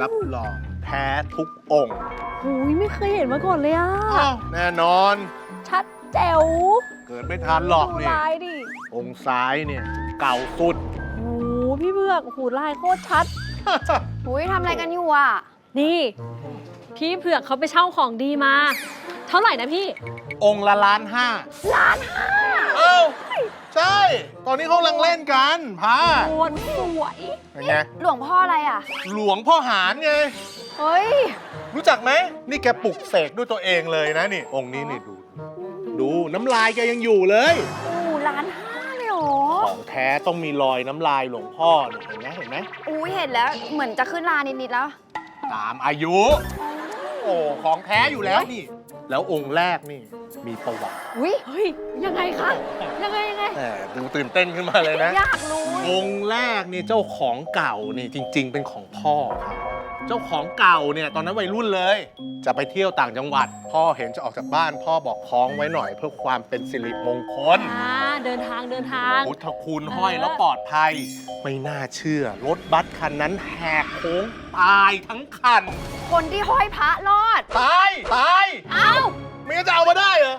รับรองแท้ทุกองค์หูยไม่เคยเห็นมาก่อนเลยอ่ะแน่นอนชัดแจ๋วเกิดไม่ทันหรอกดูนี่ลายดิองค์ซ้ายเนี่ย เก่าสุดโอ้โหพี่เบือกหูลายโคตรชัดหุยทำอะไรกันอยู่อ่ะนี่ พี่เผือกเขาไปเช่าของดีมา เท่าไหร่นะพี่องค์ละ1.5 ล้าน เอ้าใช่ ตอนนี้เขากำลังเล่นกันพาโคตรสวยเป็นไงหลวงพ่ออะไรอ่ะหลวงพ่อหารไงเฮ้ยรู้จักไหม นี่แกปลุกเสกด้วยตัวเองเลยนะนี่ องค์นี้นี่ดูน้ำลายแกยังอยู่เลย 1.5 เลยเหรอของแท้ต้องมีรอยน้ำลายหลวงพ่อนี่เห็นไหมอุ้ยเห็นแล้วเหมือนจะขึ้นลานิดๆแล้วตามอายุ โอ้ของแท้อยู่แล้วนี่ แล้วองค์แรกนี่มีประวัติอุ้ยเฮ้ย ยังไงคะ ยังไงแต่ดูตื่นเต้นขึ้นมาเลยนะอยากรู้องค์แรกนี่เจ้าของเก่านี่จริง ๆ เป็นของพ่อครับเจ้าของเก่าเนี่ยตอนนั้นวัยรุ่นเลย จะไปเที่ยวต่างจังหวัด พ่อเห็นจะออกจากบ้าน พ่อบอกคล้องไว้หน่อยเพื่อความเป็นสิริมงคลเดินทางพุทธคุณห้อยแล้วปลอดภัย ไม่น่าเชื่อ รถบัสคันนั้นแหกโค้งตายทั้งคันคนที่ห้อยพระรอดตายเอ้าไม่งั้นจะเอามาได้เหรอ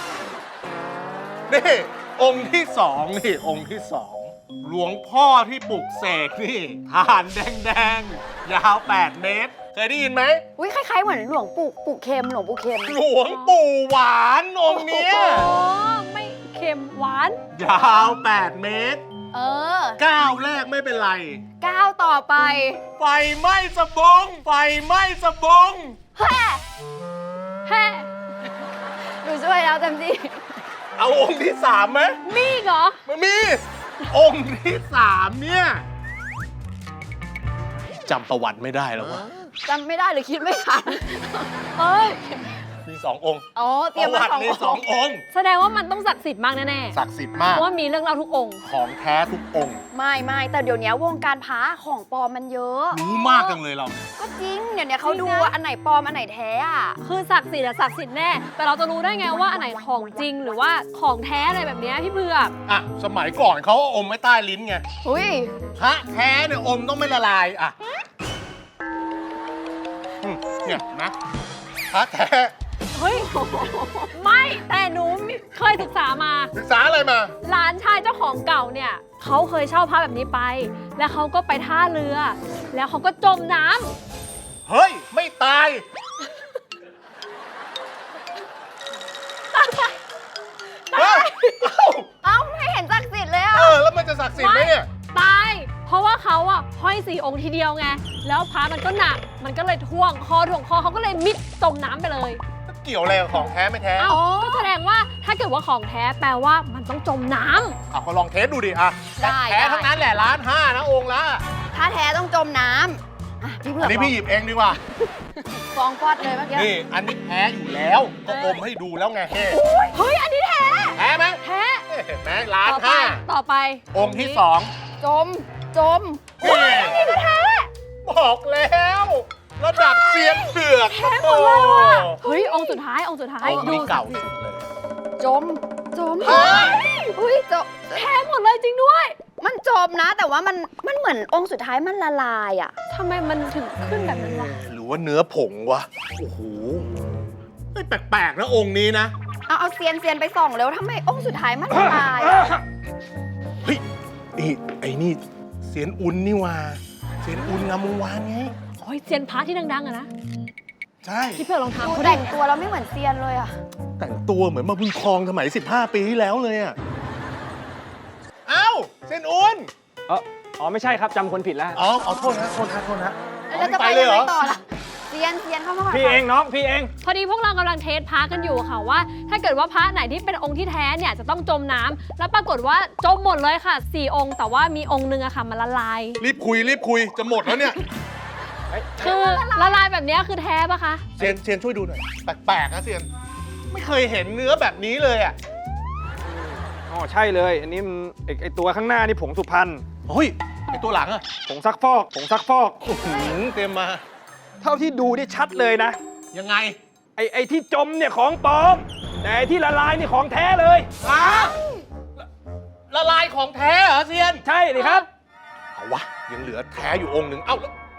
นี่ องค์ที่สองนี่องค์ที่สองหลวงพ่อที่ปลุกเสกนี่ฐานแดงๆ ยาว 8 เมตร เคยได้ยินไหมอุ้ยคล้ายๆเหมือนหลวงปู่เค็มหลวงปู่เค็มหลวงปู่หวานองค์เนี้ยโอ้ไม่เค็มหวานยาว 8 เมตรเออก้าวแรกไม่เป็นไรก้าวต่อไปไฟไหม้สะบง ไฟไหม้สะบงแฮ่แฮ่หนูช่วยแล้วเต็มที่เอาองค์ที่สามไหมมีอีกเหรอมันมี องค์ที่สามเนี่ยจำประวัติไม่ได้แล้ววะจำไม่ได้หรือคิดไม่ทันเอ้ยมี2 องค์อ๋อ เตรียมประมาวัติมีสอง 2 องค์แสดงว่ามันต้องศักดิ์สิทธิ์มากแน่ศักดิ์สิทธิ์ๆมากเพราะว่ามีเรื่องเล่าทุกองค์ของแท้ทุกองค์ไม่แต่เดี๋ยวนี้วงการพระของปลอมมันเยอะรู้มากจังเลยเราก็จริง เดี๋ยวนี้เขาดูว่าอันไหนปลอม อันไหนแท้อ่ะคือศักดิ์สิทธิ์อะศักดิ์สิทธิ์แน่ แต่เราจะรู้ได้ไงว่าอันไหนของจริงหรือว่าของแท้อะไรแบบเนี้ยพี่เบือกอ่ะ สมัยก่อนเขาเอาอมไว้ใต้ลิ้นไงอุ้ยพระแท้เนี่ยอมต้องไม่ละลายอ่ะเนี่ยนะพระแท้เฮ้ย ไม่แต่หนูเคยศึกษามาศึกษาอะไรมาหลานชายเจ้าของเก่าเนี่ยเขาเคยเช่าพระแบบนี้ไป แล้วเขาก็ไปท่าเรือ แล้วเขาก็จมน้ำเฮ้ย ไม่ตาย เฮ้ยเอ้าไม่เห็นศักดิ์สิทธิ์เลยอ่ะแล้วมันจะศักดิ์สิทธิ์ไหมเนี่ยตาย เพราะว่าเขาอะห้อย4 องค์ทีเดียวไง แล้วพระมันก็หนัก มันก็เลยท่วงคอเขาก็เลยมิดจมน้ำไปเลยเกี่ยวอะไรกับของแท้ไม่แท้เอ้าก็แสดงว่าถ้าเกิดว่าของแท้แปลว่ามันต้องจมน้ำก็ลองเทสดูดิอ่ะได้แท้ทั้งนั้นแหละ1.5 ล้านนะองค์ละถ้าแท้ต้องจมน้ำอ่ะพี่เผือัอน กนี้พี่หยิบเองดีกว่าฟองฟอดเลยเมื่อกี้นี่ อันนี้แท้อยู่แล้ว ก็อมให้ดูแล้วไงเฮ้เฮ้ย อันนี้แท้แท้ไหมแท้เห็นไหม1.5 ล้านต่อไปองค์ที่สองจมนี่บอกแล้ว ระดับเซียนเผือกแท้หมดเลยว่ะ เฮ้ย องค์สุดท้าย องค์สุดท้ายองค์นี้เก่าสุดเลยจมเฮ้ยอุ้ยจมแท้หมดเลยจริงด้วยมันจมนะ แต่ว่ามันเหมือนองค์สุดท้ายมันละลายอ่ะทำไมมันถึงขึ้นแบบนั้นวะหรือว่าเนื้อผงวะ โอ้โหเฮ้ยแปลกๆนะองค์นี้นะเอาเซียนไปส่องแล้วทำไมองค์สุดท้ายมันละลายอะเฮ้ยไอ้นี่เสียนอุ่นนี่ว่าเสียนอุ่นงามวงวานไงโอ้ยเซียนพระที่ดังๆอะนะใช่ที่เพื่อนลองทำดูเขาแต่ดิงตัวแล้วไม่เหมือนเซียนเลยอ่ะแต่งตัวเหมือนมาบุญครองสมัย 15 ปีที่แล้วเลยอ่ะ เอ้าเส้นอุ่นอ๋อไม่ใช่ครับจำคนผิดแล้วอ๋อเอาโทษนะแล้วจะไปยังไงต่อล่ะเซียนเข้ามาก่อนพี่เองน้องพี่เองพอดีพวกเรากำลังเทสพระกันอยู่ค่ะว่า ถ้าเกิดว่าพระไหนที่เป็นองค์ที่แท้เนี่ยจะต้องจมน้ำแล้วปรากฏว่าจมหมดเลยค่ะ4 องค์ แต่ว่ามีองค์นึงอะค่ะมันละลายรีบคุยจะหมดแล้วเนี่ยคือละลายแบบเนี้ยคือแท้ปะคะเซียนช่วยดูหน่อย แปลกๆนะเซียน ไม่เคยเห็นเนื้อแบบนี้เลยอ่ะอ๋อใช่เลย อันนี้มันไอตัวข้างหน้านี่ผงสุพรรณเฮ้ยไอตัวหลังอ่ะผงซักฟอกผงซักฟอกเต็มมาเท่าที่ดูนี่ชัดเลยนะยังไงไอที่จมเนี่ยของปลอม แต่ไอ้ที่ละลายนี่ของแท้เลยฮะละลายของแท้เหรอเซียนใช่เลยครับเอาวะยังเหลือแท้อยู่องค์หนึ่งเอ้าแล้ว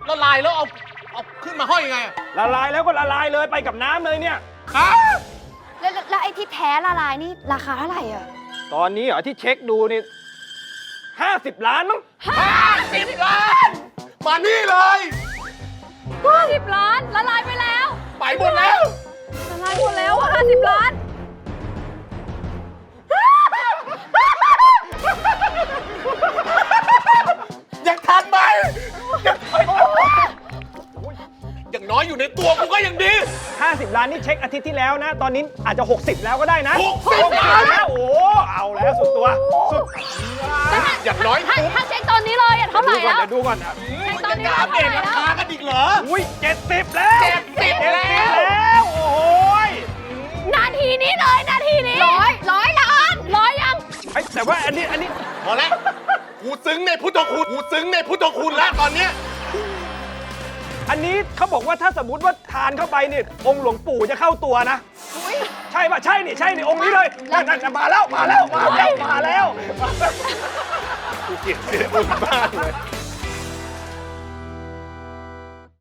ละลายแล้วเอาขึ้นมาห้อยยังไงอะละลายแล้วก็ละลายเลยไปกับน้ำเลยเนี่ยฮะแล้วไอ้ที่แท้ละลายนี่ราคาเท่าไหร่อ่ะตอนนี้เหรอที่เช็คดูนี่50 ล้านมั้ง 50 ล้าน มานี่เลย 50 ล้านละลายไปแล้วไปหมดแล้วละลายหมดแล้วอะ50 ล้านยังทันไหมอย่างน้อยอยู่ในตัวกูก็ยังดี 50 ล้านนี่เช็คอาทิตย์ที่แล้วนะ ตอนนี้อาจจะ 60 แล้วก็ได้นะ 60 ล้านแล้วโอ้เอาแล้วสุดตัวสุดอย่างน้อยถ้าเช็คตอนนี้เลยอะเท่าไหร่แล้วเดี๋ยวดูก่อนอ่ะตอนนี้จะเท่าไหร่เปลี่ยนราแล้วคากันอีกเหรออุ้ย70 แล้ว 70แล้วแล้วโอ้ยนาทีนี้เลยนาทีนี้ร้อยล้านร้อยยังเฮ้ยแต่ว่าอันนี้พอแล้วกูซึ้งในพุทธคุณกูซึ้งในพุทธคุณแล้วตอนเนี้ยอันนี้เขาบอกว่าถ้าสมมติว่าทานเข้าไปเนี่ยองค์หลวงปู่จะเข้าตัวนะใช่ปะใช่นี่องค์นี้เลยนั่นมาแล้วกูเกลียดเสียงมึงมากเลย